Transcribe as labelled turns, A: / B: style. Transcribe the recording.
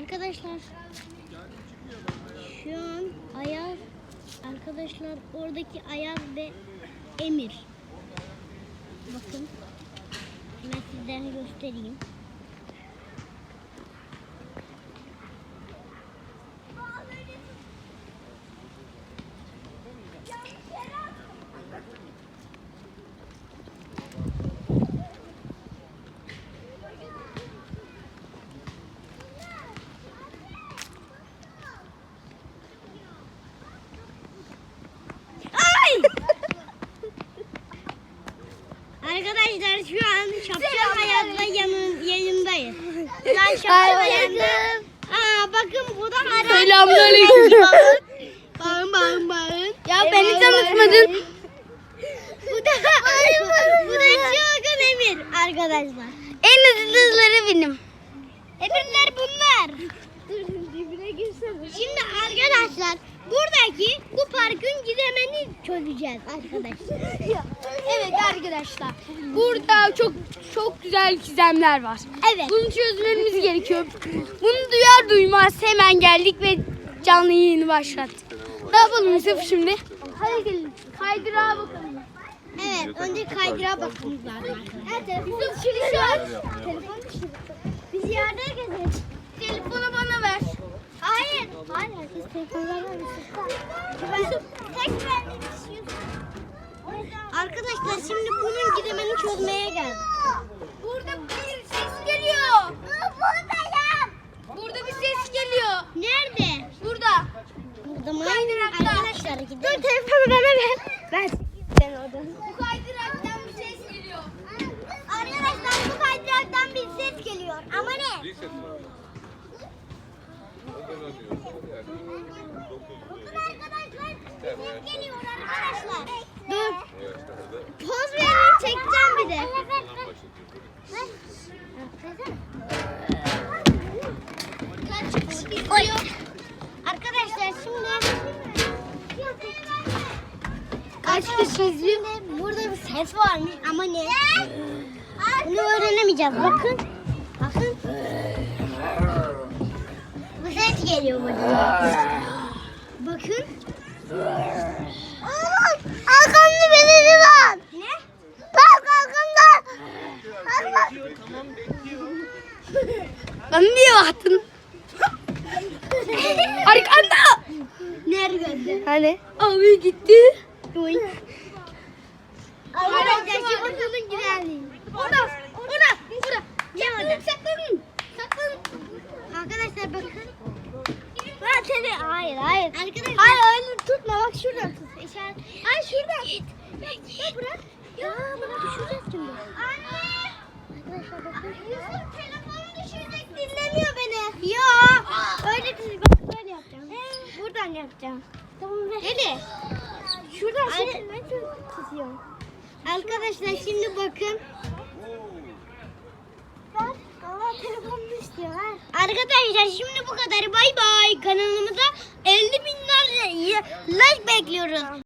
A: Arkadaşlar şu an Ayaz, arkadaşlar oradaki Ayaz ve Emir. Bakın ben sizlere göstereyim. Arkadaşlar şu an Şapşal Hayat'la yanındayız. Ben Şapşal Hayat'la. Bakın bu da Aras.
B: Selamünaleyküm.
A: Bağın.
B: Ya beni tanıtmadın.
A: Bu da Çılgın Emir arkadaşlar.
B: En hızlıları benim.
A: Emirler bunlar. Dibine girsene. Şimdi arkadaşlar buradaki bu parkın gizemini çözeceğiz arkadaşlar.
B: Evet arkadaşlar. Burada çok güzel gizemler var.
A: Evet.
B: Bunu çözmemiz gerekiyor. Bunu duyar duymaz hemen geldik ve canlı yayını başlattık. Ne yapalım Yusuf şimdi? Hadi gelin. Kaydırağa bakalım.
A: Evet, önce kaydırağa bakmamız lazım arkadaşlar.
B: Yusuf şimdi şu an.
A: Telefon düşürdü. Biz yerde gezelim.
B: Telefonu bana ver.
A: Hayır, herkes telefonlarla Arkadaşlar şimdi bunun gizemini çözmeye geldik.
B: Burada bir ses geliyor.
A: Buradayım.
B: Burada bir ses geliyor.
A: Nerede?
B: Burada.
A: Burada mı?
B: Kaydırakta.
A: Arkadaşlar gidelim. Dur telefonu bana ver. Ben sen oradan.
B: Bu kaydıraktan bir ses geliyor.
A: Arkadaşlar bu kaydıraktan bir ses geliyor. Ama ne? Bakın arkadaşlar bir ses geliyor arkadaşlar. Dur. Poz verin çekeceğim bir de. Oy. Arkadaşlar şimdi kaç kişi izliyor? Burada bir ses varmış ama ne? Bunu öğrenemeyeceğiz. Bakın. Bu ses geliyor burada. Bakın. Arkamda birisi var. Ne? Bak arkamda.
B: Bana niye baktın? Arkanda.
A: Nerede?
B: Hani? Abi gitti.
A: Arkadaşlar şu odanın güzelliği.
B: Orada.
A: Ne orada?
B: Saklanın.
A: Arkadaşlar bakın. Ben seni hayır. Arkadaşlar.
B: Hayır öyle tutma bak şuradan tut.
A: İşaret.
B: Ay şuradan.
A: Ya bırak. Ya bırak düşüreceğiz şimdi. Anne. Arkadaşlar bakın. Yusuf telefonu düşürecek dinlemiyor beni. Ya. Öyle değil. Bak böyle yapacağım. Buradan yapacağım. Tamam ver. Hadi.
B: Şuradan
A: Ne tutuyor? Arkadaşlar şimdi bakın. Allah telefonunu istiyor. Arkadaşlar şimdi bu kadar. Bay bay. Kanalımıza 50.000 like bekliyoruz.